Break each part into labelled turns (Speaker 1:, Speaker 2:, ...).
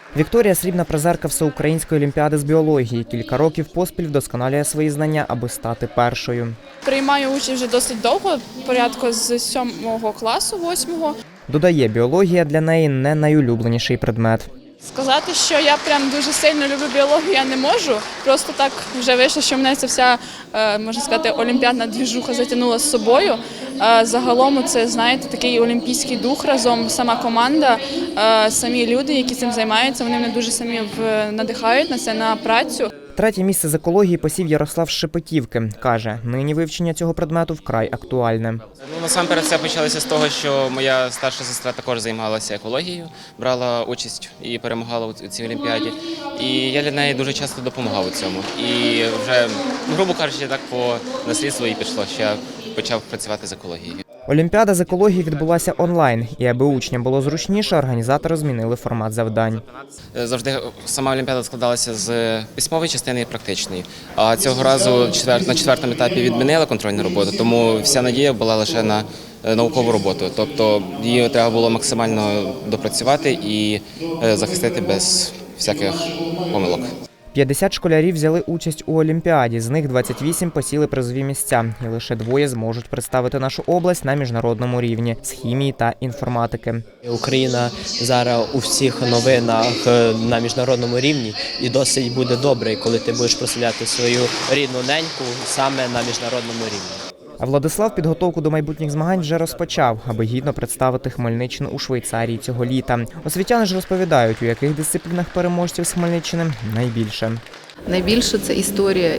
Speaker 1: Вікторія – срібна призерка Всеукраїнської олімпіади з біології. Кілька років поспіль вдосконалює свої знання, аби стати першою.
Speaker 2: Приймаю участь вже досить довго, порядку з 7 класу, 8-го.
Speaker 1: Додає, біологія для неї не найулюбленіший предмет.
Speaker 2: Сказати, що я прям дуже сильно люблю біологію, я не можу. Просто так вже вийшло, що мене ця вся, можна сказати, олімпіадна двіжуха затягнула з собою. Загалом це, знаєте, такий олімпійський дух разом, сама команда, самі люди, які цим займаються, вони мене дуже самі надихають на це, на працю.
Speaker 1: Третє місце з екології посів Ярослав з Шепетівки. Каже, нині вивчення цього предмету вкрай актуальне.
Speaker 3: Насамперед все почалося з того, що моя старша сестра також займалася екологією, брала участь і перемагала у цій олімпіаді. І я для неї дуже часто допомагав у цьому. І вже, грубо кажучи, так по наслідству і пішло, що я почав працювати з екологією.
Speaker 1: Олімпіада з екології відбулася онлайн, і аби учням було зручніше, організатори змінили формат завдань.
Speaker 3: Завжди сама олімпіада складалася з письмової частини і практичної. А цього разу на четвертому етапі відмінили контрольну роботу, тому вся надія була лише на наукову роботу. Тобто її треба було максимально допрацювати і захистити без всяких помилок.
Speaker 1: 50 школярів взяли участь у олімпіаді, з них 28 посіли призові місця, і лише 2 зможуть представити нашу область на міжнародному рівні з хімії та інформатики.
Speaker 4: Україна зараз у всіх новинах на міжнародному рівні, і досить буде добре, коли ти будеш прославляти свою рідну неньку саме на міжнародному рівні.
Speaker 1: А Владислав підготовку до майбутніх змагань вже розпочав, аби гідно представити Хмельниччину у Швейцарії цього літа. Освітяни ж розповідають, у яких дисциплінах переможців з Хмельниччини найбільше.
Speaker 5: Найбільше це історія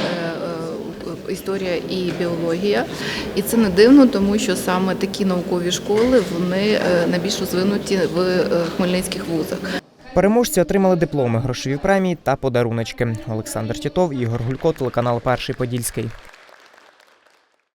Speaker 5: і біологія. І це не дивно, тому що саме такі наукові школи, вони найбільш розвинуті в хмельницьких вузах.
Speaker 1: Переможці отримали дипломи, грошові премії та подаруночки. Олександр Тітов, Ігор Гулько, телеканал «Перший Подільський».